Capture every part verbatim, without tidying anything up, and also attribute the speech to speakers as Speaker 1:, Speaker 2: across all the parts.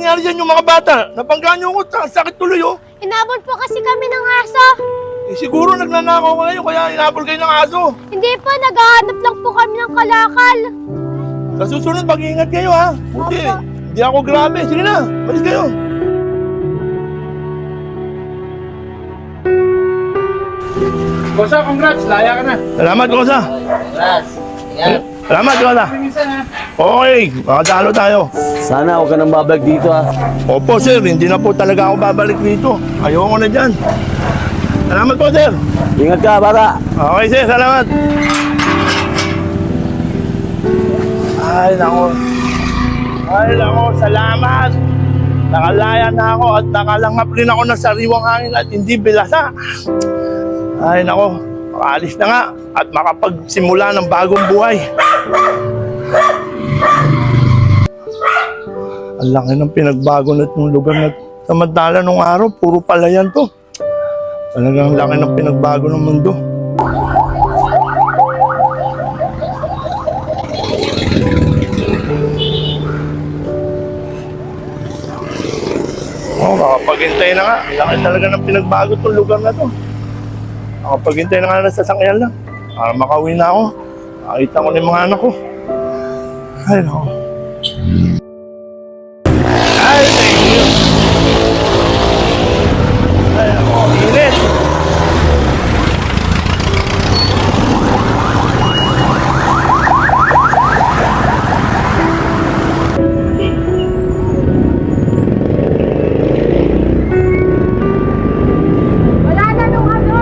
Speaker 1: nangyari dyan yung mga bata? Napanggaan nyo ko, sakit tuloy oh.
Speaker 2: Inabol po kasi kami ng aso.
Speaker 1: Eh, siguro nagnanakaw kayo kaya inabol kayo ng aso.
Speaker 2: Hindi po, naghahanap lang po kami ng kalakal.
Speaker 1: Sa susunod, mag-iingat kayo ha. Buti,
Speaker 2: Opo.
Speaker 1: hindi ako grabe. Sige na, malis kayo.
Speaker 3: Kosa, congrats! Laya ka na.
Speaker 1: Salamat, Kosa.
Speaker 3: Congrats! Yan.
Speaker 1: Salamat, Kosa.
Speaker 3: Minsan ha.
Speaker 1: Okay, makadalo tayo.
Speaker 4: Sana huwag ka nang babalik dito ha.
Speaker 1: Opo, sir. Hindi na po talaga ako babalik dito. Ayoko na dyan. Salamat po, sir.
Speaker 4: Ingat ka, bata.
Speaker 1: Okay, sir. Salamat. Ay, nako. Ay, nako. Salamat. Nakalaya na ako at nakalangap rin ako ng sariwang hangin at hindi bilasa. Ay, nako. Makaalis na nga at makapagsimula ng bagong buhay. Ang laki ng pinagbago na itong lugar na samantala nung araw, puro palayan to. Talagang laki ng pinagbago ng mundo. Oh, makapaghintay na nga. Laki talaga ng pinagbago itong lugar na to. Makapaghintay na nga na sasakyan lang. Para makauwi na ako. Makita ko na yung mga anak ko. Ay, no. Ay, thank you. Ay, ako, init.
Speaker 2: Wala na nung ano.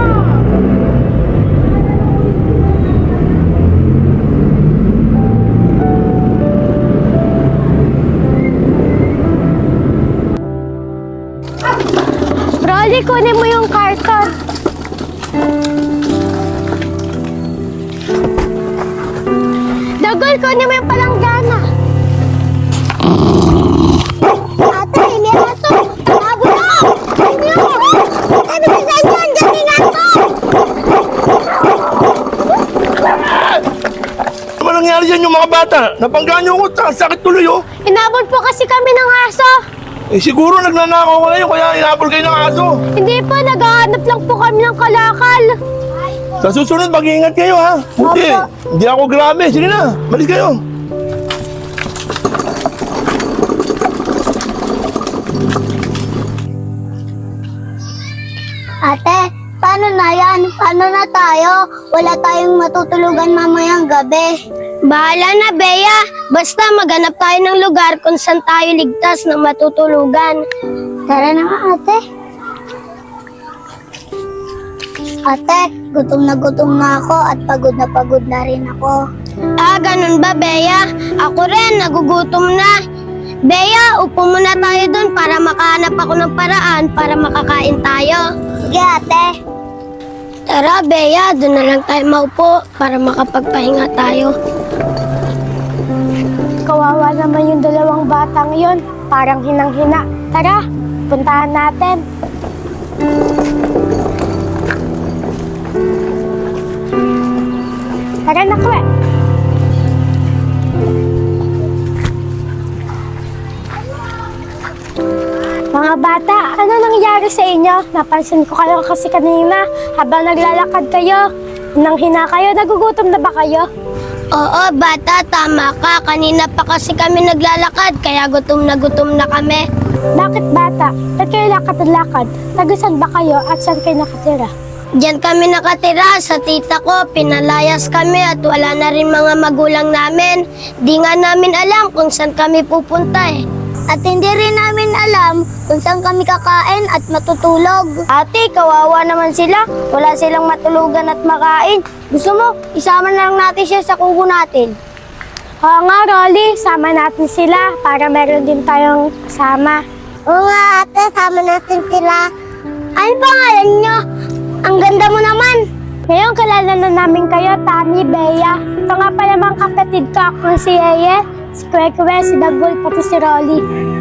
Speaker 2: Rolly, kunin mo yung karton. Dagol, kunin mo yung palanggana. Ate, may aso. Tabo na. Inyo. Ano ba sa inyo? Andiyan yung aso.
Speaker 1: Ano ba nangyari dyan yung mga bata? Napanggaan nyo ko, sakit tuloy oh.
Speaker 2: Inabol po kasi kami ng aso.
Speaker 1: Eh, siguro nagnanakaw kayo kaya inabol kayo ng aso.
Speaker 2: Hindi po, naghahanap lang po kami ng kalakal.
Speaker 1: Sa susunod, mag-iingat kayo ha. Buti,
Speaker 2: Opo.
Speaker 1: hindi ako grabe. Sige na, malis kayo.
Speaker 2: Ate, paano na yan? Paano na tayo? Wala tayong matutulugan mamayang gabi. Bahala na, Bea. Basta maghanap tayo ng lugar kung saan tayo ligtas na matutulugan. Tara na nga, ate. Ate, gutom na gutom na ako at pagod na pagod na rin ako. Ah, ganun ba, Bea? Ako rin, nagugutom na. Bea, upo muna tayo dun para makahanap ako ng paraan para makakain tayo. Sige, ate. Tara, Bea, dun na lang tayo maupo para makapagpahinga tayo. Kawawa naman yung dalawang batang yon, parang hinang-hina. Tara, puntahan natin. Tara na, Kwe. Mga bata, ano nangyari sa inyo? Napansin ko kayo kasi kanina habang naglalakad kayo. Nang hina kayo, nagugutom na ba kayo? Oo, bata, tama ka. Kanina pa kasi kami naglalakad, kaya gutom na gutom na kami. Bakit bata? Ba't kayo lakad-lakad? Tagasan ba kayo at saan kayo nakatira? Diyan kami nakatira sa tita ko, pinalayas kami at wala na rin mga magulang namin. Di nga namin alam kung saan kami pupunta eh. At hindi rin namin alam kung saan kami kakain at matutulog. Ate, kawawa naman sila. Wala silang matulugan at makain. Gusto mo, isama na lang natin siya sa kubo natin. Oo nga, Rolly. Sama natin sila para meron din tayong kasama. Oo nga, ate. Sama natin sila. Ano pangalan nyo? Ang ganda mo naman. Ngayon, kalala na namin kayo, Tami, Bea. Ito nga pala mga kapatid ko, ako si Eye, si Kwekwe, si Dagol, pati si Rolly.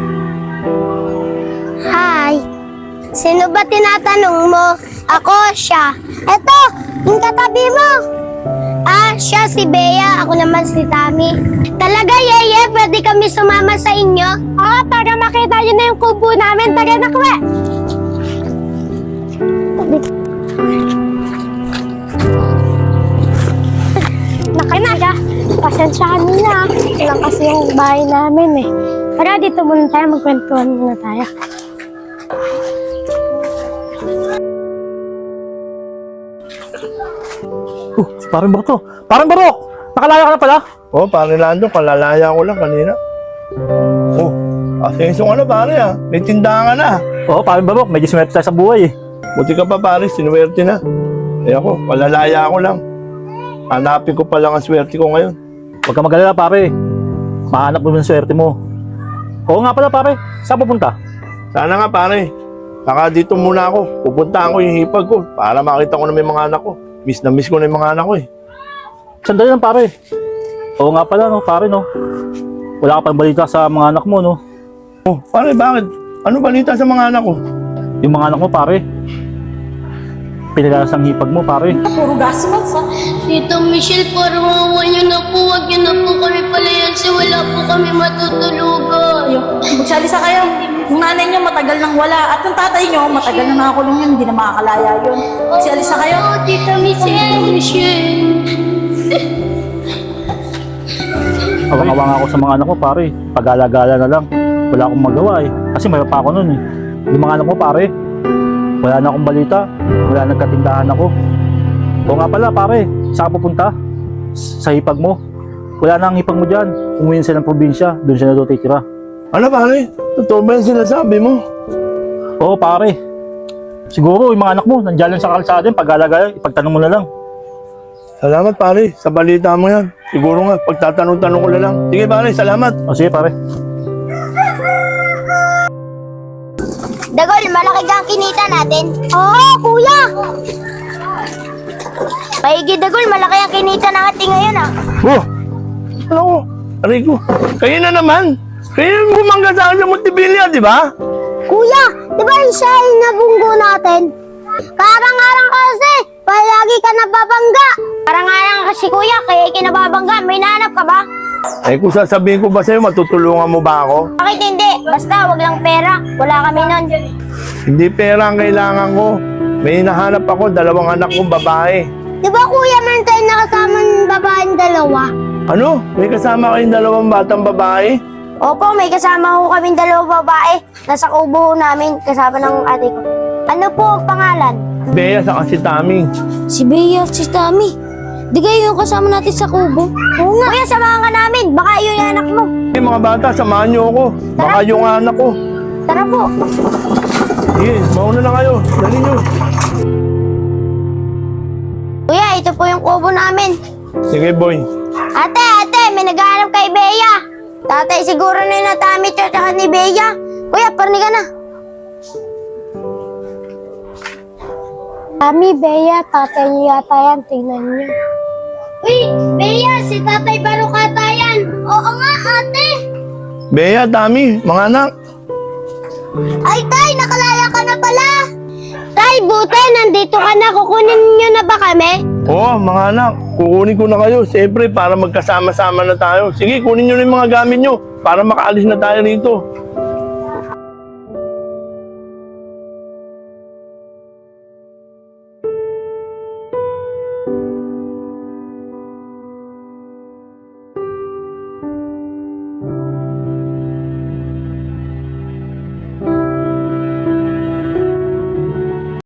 Speaker 2: Hi. Sino ba tinatanong mo? Ako, siya. Eto, yung katabi mo. Ah, siya si Bea. Ako naman si Tami. Talaga, Yeye? Pwede kami sumama sa inyo? Oo, para makita nyo na yung kubo namin. Tara na, Kwe. Nakinaga. Pasensya kanina. Lang kasi yung bahay namin eh. Tara, dito muna tayo. Magkwentuhan muna tayo.
Speaker 5: Oh, si parang Barok to. Parang Barok! Nakalaya ka na pala?
Speaker 1: Oh, pare Lando, kalalaya ko lang kanina. Oh, asenso ka na pare ah. May tindahan ka na.
Speaker 5: Oo, parang Barok. Medyo swerte tayo sa buhay eh.
Speaker 1: Buti ka pa pare, sinuwerte na. Eh ako, kalalaya ko lang. Hanapin ko pa lang ang swerte ko ngayon.
Speaker 5: Huwag ka magalala pare. Mahanap mo yung swerte mo. Oo nga pala pare. Saan pupunta?
Speaker 1: Sana nga pare. Saka dito muna ako. Pupuntahan ko yung hipag ko para makita ko na may mga anak ko. Miss na miss ko na yung mga anak ko eh.
Speaker 5: Sandali lang pare. Oo nga pala no, pare no. Wala ka pang balita sa mga anak mo no.
Speaker 1: Oh, pare bakit? Ano balita sa mga anak ko?
Speaker 5: Yung mga anak mo pare. Pinalas ang hipag mo pare.
Speaker 6: Puro gasmas ha.
Speaker 2: Tita Michelle, parang awa niyo na po. Huwag niyo na po kami palayansi. Wala po kami matutulugan.
Speaker 6: Ayun, magsalisa kayo. Yung nanay niyo matagal nang wala. At yung tatay niyo matagal na nakakulong yun. Hindi na makakalaya yun. Magsalisa kayo.
Speaker 2: Oh, Tita Michelle. Michelle.
Speaker 5: Awang-awa nga ako sa mga anak ko pare. Pag-alagala na lang. Wala akong magawa eh. Kasi mayroon pa ako nun eh. Yung mga anak mo pare. Wala na akong balita. Wala nagkatindahan ako. Oo nga pala pare. Saan ka pupunta? Sa hipag mo. Wala na ang hipag mo dyan. Umuwi sila ng probinsya. Doon siya na doon titira.
Speaker 1: Ano pare? Totoo ba yung sinasabi mo?
Speaker 5: Oo pare. Siguro yung mga anak mo nandiyan lang sa kalsada. Pag-alagala, ipagtanong mo na lang.
Speaker 1: Salamat pare, sa balita mo yan. Siguro nga, pagtatanong-tanong ko na lang. Sige pare, salamat.
Speaker 5: O sige pare.
Speaker 2: Dagol, malaki ka ang kinita natin. Oo, kuya. Paigi, Dagol, malaki ang kinita natin ngayon ah.
Speaker 1: Oh! Ano ko? Aray ko. Kayo na naman. Kayo yung bumangga sa akin sa Montevilla, di ba?
Speaker 2: Kuya, di ba yung siya yung nabunggo natin? Karang-arang kasi, palagi ka nababangga. Karang-arang kasi kuya, kaya kinababangga. May nanap ka ba?
Speaker 1: Eh kung sasabihin ko ba sa'yo, matutulungan mo ba ako?
Speaker 2: Bakit hindi? Basta, wag lang pera. Wala kami nun.
Speaker 1: Hindi pera ang kailangan ko. May hinahanap ako, dalawang anak kong babae.
Speaker 2: Di ba kuya, meron tayong nakasama ng babaeng dalawa?
Speaker 1: Ano? May kasama kayong dalawang batang babae?
Speaker 2: Opo, may kasama ko kaming dalawang babae. Nasa kubo namin, kasama ng ate ko. Ano po ang pangalan?
Speaker 1: Bea sa si Tami.
Speaker 2: Si Bea, si Tami. Di kayo yung kasama natin sa kubo? Oo nga. Kuya, samahan ka namin. Baka yun yung anak mo.
Speaker 1: Hey, mga bata, samahan niyo ako. Baka yung anak ko.
Speaker 2: Tara po.
Speaker 1: Sige, mauna na kayo. Dali niyo.
Speaker 2: Kuya, ito po yung kubo namin.
Speaker 1: Sige, boy.
Speaker 2: Ate, ate, may naghahanap kay Bea. Tatay, siguro na yung natamit siya tsaka ni Bea. Kuya, parni ka na. Tami, Bea, tatay niyo yata yan. Tingnan niyo. Uy, Bea, si tatay Barukata yan. Oo nga, ate.
Speaker 1: Bea, Tami, mga anak.
Speaker 2: Ay, tay, nakalaya ka na pala. Tay, buti, nandito ka na. Kukunin niyo na ba kami?
Speaker 1: Oo, mga anak. Kukunin ko na kayo. Siyempre, para magkasama-sama na tayo. Sige, kunin niyo na yung mga gamit niyo para makaalis na tayo rito.